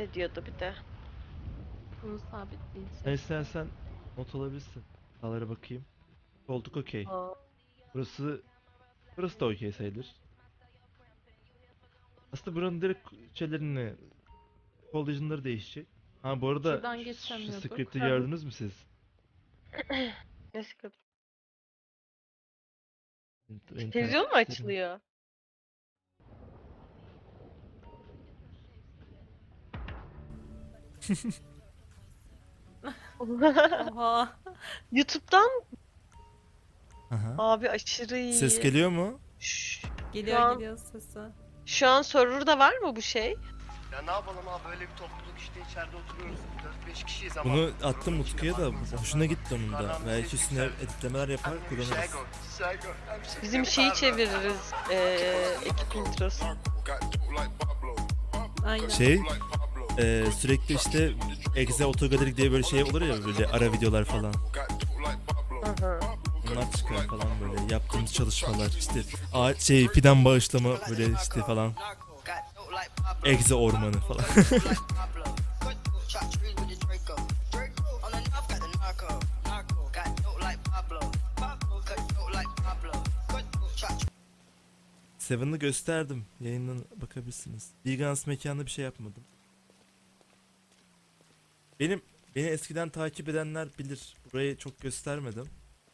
hareket ediyordu bir de. Bunu sabitleyeceğiz. Sen istersen not alabilirsin. Sağlara bakayım. Koltuk okey. Aa, Burası burası da okey sayılır. Aslında buranın direkt şeylerini Collision'ları değişecek. Ha bu arada Şuradan şu geçemiyorduk. script'i hı hı. gördünüz mü siz? Ne sıkıntı? Televizyon mu İnternetleri. açılıyor? Oha. YouTube'dan Aha. abi aşırı Ses iyi. geliyor mu? Şu, şu Geliyor an geliyor sesi. şu an server'da var mı bu şey? Ya ne yapalım abi, böyle bir topluluk işte, içeride oturuyoruz. 4-5 kişiyiz ama. Bunu attım grubun içinde Utku'ya da farklı insanlar hoşuna var. gitti onun da. Yukarıdan bir Belki ses üstüne yükseldi. editlemeler yapar kullanırız. Bizim şeyi çeviririz. Ekip introsu. Aynen. Şey sürekli işte Exe Autogalerik diye böyle şey olur ya, böyle ara videolar falan. Hı hı. Bunlar çıkar falan, böyle yaptığımız çalışmalar işte fidan bağışlama böyle işte falan. Exe ormanı falan. Seven'ı gösterdim. Yayından bakabilirsiniz. Vegans mekanında bir şey yapmadım. Beni eskiden takip edenler bilir. Burayı çok göstermedim.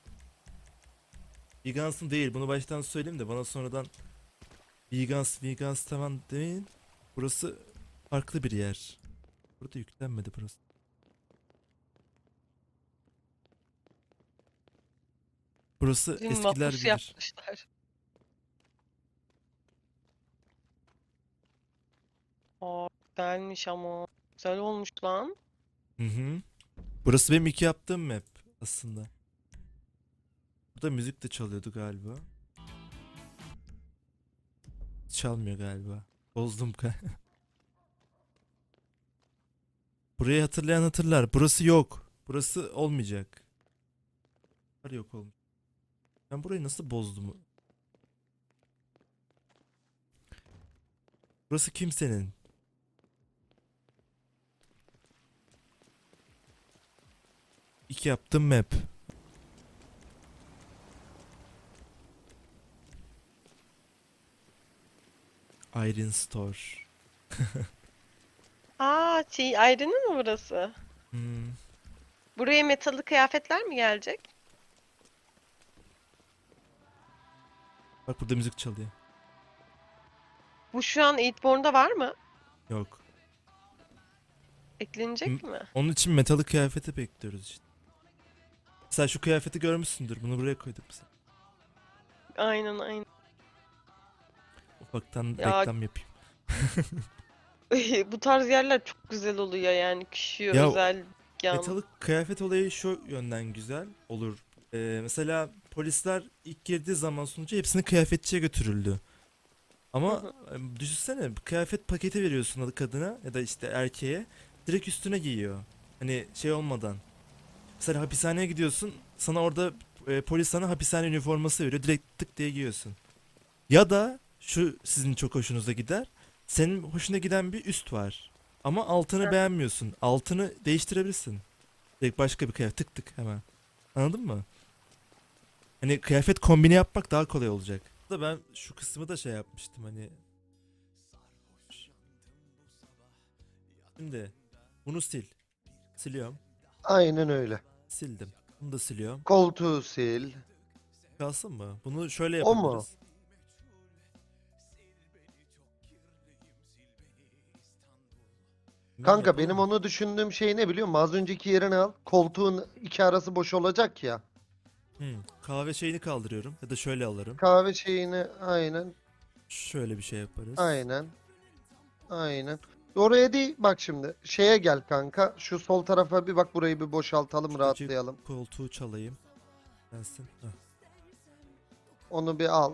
Vegans'ın değil. Bunu baştan söyleyeyim de bana sonradan Vegans tamam demeyin. Burası farklı bir yer. Burada yüklenmedi burası. Burası Bizim eskiler mahpus bilir. yapmışlar. Aa, güzelmiş ama. Güzel olmuş lan. Hı hı. Burası benim ilk yaptığım map aslında. Burada müzik de çalıyordu galiba. Çalmıyor galiba. Bozdum Burayı hatırlayan hatırlar. Burası yok. Burası olmayacak. Yok olmuş. Ben burayı nasıl bozdum? Burası kimsenin. İlk yaptığım map. Iron Store. Aa, şey, ayrının mı burası? Hmm. Buraya metalli kıyafetler mi gelecek? Bak burada müzik çalıyor. Bu şu an Eightborn'da var mı? Yok. Eklenecek mi? Onun için metalı kıyafeti bekliyoruz işte. Sen şu kıyafeti görmüşsündür. Bunu buraya koydum mesela. Aynen aynen. Ufaktan Ya reklam yapayım. bu tarz yerler çok güzel oluyor yani kişiye Ya özel yan. metalı kıyafet olayı şu yönden güzel olur. Mesela polisler ilk girdiği zaman sonucu hepsini kıyafetçiye götürüldü. Hı Ama hı. düşünsene, bir kıyafet paketi veriyorsun kadına ya da işte erkeğe, direkt üstüne giyiyor. Hani şey olmadan. Mesela hapishaneye gidiyorsun, sana orada polis sana hapishane üniforması veriyor, direkt tık diye giyiyorsun. Ya da şu sizin çok hoşunuza gider. Senin hoşuna giden bir üst var. Ama altını Heh. beğenmiyorsun. Altını değiştirebilirsin. Direkt başka bir kıyafet tık tık hemen. Anladın mı? Hani kıyafet kombini yapmak daha kolay olacak. Da ben şu kısmı da şey yapmıştım hani. Şimdi bunu sil. Siliyorum. Aynen öyle. Sildim. Bunu da siliyorum. Koltuğu sil. Kalsın mı? Bunu şöyle O mu? yapabiliriz. Bilmem, Kanka yapalım benim mı? onu düşündüğüm şey ne biliyor musun? Az önceki yerini al. Koltuğun iki arası boş olacak ya. Kahve şeyini kaldırıyorum. Ya da şöyle alırım. Kahve şeyini aynen. Şöyle bir şey yaparız. Aynen. Aynen. Oraya değil bak şimdi. Şeye gel kanka. Şu sol tarafa bir bak, burayı bir boşaltalım, Şuradaki rahatlayalım. koltuğu çalayım. Gelsin. Heh, Onu bir al.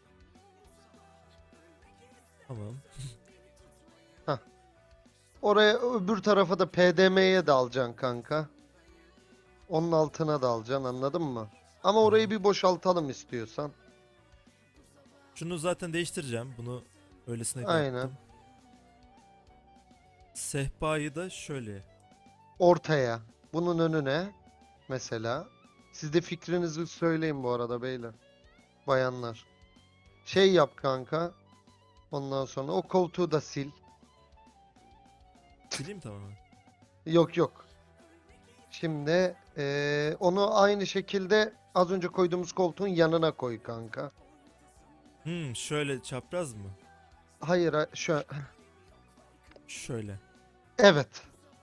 tamam. Hah. Oraya öbür tarafa da PDM'ye de alacaksın kanka. Onun altına da alacaksın, anladın mı? Ama orayı Tamam. bir boşaltalım istiyorsan. Şunu zaten değiştireceğim. Bunu öylesine Aynen. yaptım. Sehpayı da şöyle. Ortaya. Bunun önüne mesela. Siz de fikrinizi söyleyin bu arada beyler. Bayanlar. Şey yap kanka. Ondan sonra o koltuğu da sil. Sileyim tamamen. Yok yok. Şimdi onu aynı şekilde az önce koyduğumuz koltuğun yanına koy kanka. Şöyle çapraz mı? Hayır şu Şöyle. evet.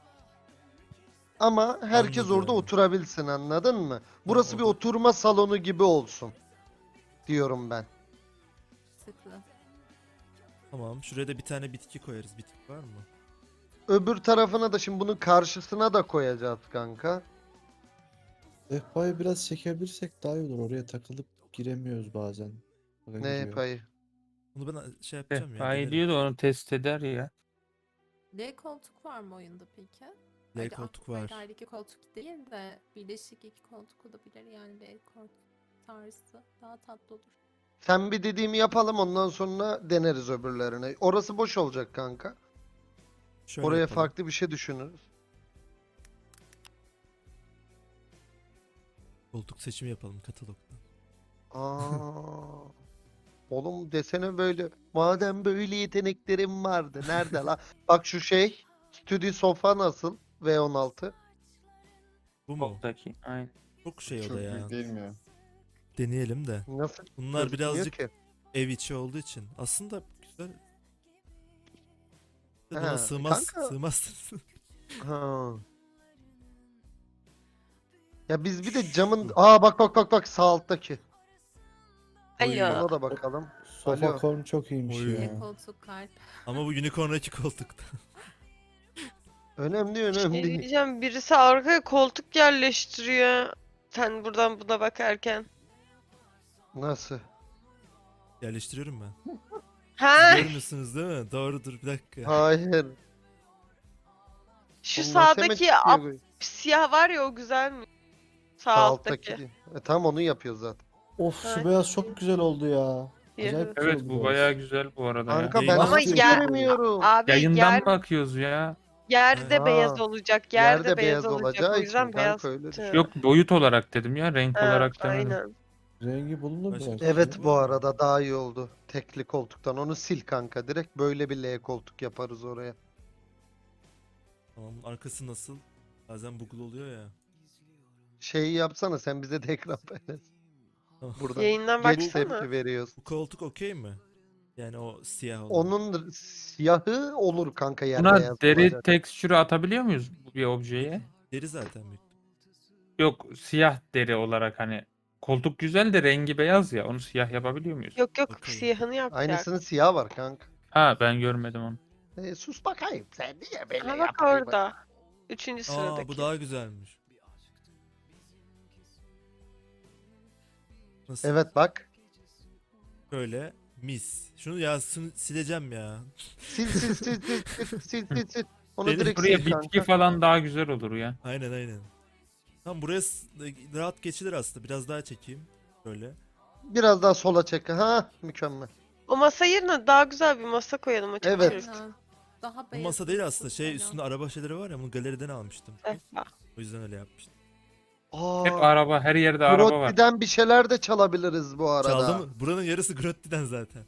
Ama herkes orada Anladım. oturabilsin, anladın mı? Burası bir orada- oturma salonu gibi olsun diyorum ben. Sıklı. Tamam. Şuraya da bir tane bitki koyarız. Bitki var mı? Öbür tarafına da şimdi bunun karşısına da koyacağız kanka. Sehpayı biraz çekebilirsek daha iyi olur. Oraya takılıp giremiyoruz bazen. Baka Ne giriyor. payı? Bunu ben şey yapacağım ya. Daha iyi denerim. diyor da onu test eder ya. L koltuk var mı oyunda peki? L Hadi koltuk aklıma var. geldi, iki koltuk değil de birleşik iki koltuk olabilir yani L koltuk tarzı daha tatlı olur. Sen bir dediğimi yapalım, ondan sonra deneriz öbürlerine. Orası boş olacak kanka. Şöyle Oraya yapalım. farklı bir şey düşünürüz. Koltuk seçimi yapalım katalogda. Aa. Oğlum desene böyle. Madem böyle yeteneklerim vardı. Nerede la? Bak şu şey. Stüdyo sofa nasıl? V16. Bu mu? Soldaki. Aynen. Çok şey o Çok da ya. büyük değil mi ya? Deneyelim de. Nasıl? Bunlar gözükmüyor birazcık ki? ev içi olduğu için. Aslında güzel. Ha, Buna sığmaz. kanka. Sığmazsın. Ha. Ya biz bir de camın... Aa bak sağ alttaki. Alo. Ona da bakalım. Sofa Alo. korn çok iyiymiş Oy. ya. L koltuk kalp. Ama bu unicorn'daki koltukta. Önemli Şey önemli değil. diyeceğim, birisi arkaya koltuk yerleştiriyor. Sen buradan buna bakarken. Nasıl? Yerleştiriyorum ben. Ha, Görmüyorsunuz değil mi? Doğrudur, bir dakika. Hayır. şu Oğlum nasıl hemen sağdaki çıkıyor bu? siyah var ya, o güzel mi? Sağ Sağ alttaki. alttaki değil. Tam onu yapıyor zaten. Of Ay. şu beyaz çok güzel oldu ya. Siyahı. Acayip güzel Evet oldu bu beyaz. bayağı güzel bu arada ya. Kanka ben Ama nasıl yer- göremiyorum? Abi Yayından bakıyoruz ya. yerde Ha. beyaz olacak. Yerde, Yerde beyaz beyaz olacak. olacağı O yüzden için beyaz. kanka öyle tuttu. düşün. Yok boyut olarak dedim ya. Renk Ha, olarak demedim. aynen. Rengi bulunur Başka- belki. Evet bu arada daha iyi oldu. Tekli koltuktan onu sil kanka direkt. Böyle bir L koltuk yaparız oraya. Tamam, arkası nasıl? Bazen bugul oluyor ya. Şeyi yapsana sen bize de ekran paylaş. Tamam. Buradan Yayından geç baksana. tepki veriyoruz. Bu koltuk okey mi? Yani o siyah olan. Onun siyahı olur kanka yer Buna beyaz deri olacak. tekstürü atabiliyor muyuz bir objeye? Deri zaten büyük. Yok siyah deri olarak hani. Koltuk güzel de rengi beyaz ya. Onu siyah yapabiliyor muyuz? Yok Bakalım. siyahını yapacak. Aynısının siyah var kanka. Ha ben görmedim onu. Sus bakayım sen niye böyle Ha bak yapıyorsun? orada. Üçüncü Aa, sıradaki. bu daha güzelmiş. Nasıl? Evet bak. Şöyle mis. Şunu ya sileceğim ya. Sil. Onu Benim direkt Buraya sil bitki kanka. falan daha güzel olur ya. Aynen. Tam buraya rahat geçilir aslında. Biraz daha çekeyim. Böyle. Biraz daha sola çek. Ha mükemmel. O masa yerine daha güzel bir masa koyalım. O çok Evet. çirkin. Ha, daha Bu beyaz masa değil olsun aslında. Şey falan. üstünde araba şeyleri var ya. Bunu galeriden almıştım. Sehpa. O yüzden öyle yapmıştım. Hep Aa, araba, her yerde araba var. Grotti'den bir şeyler de çalabiliriz bu arada. Çaldı mı? Buranın yarısı Grotti'den zaten.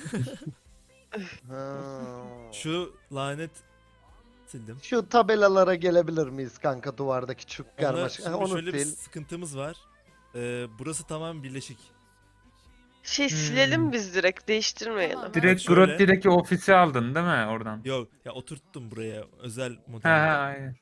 Ha. Şu lanet sildim. Şu tabelalara gelebilir miyiz kanka duvardaki çuk Onda karmaşık? şimdi Ha, onu şöyle bir sil. sıkıntımız var. Burası tamamen birleşik. Silelim biz direkt, değiştirmeyelim. Tamam. Direkt Şöyle. Grotti'deki ofisi aldın değil mi oradan? Yok ya, oturttum buraya özel Ha model. aynen.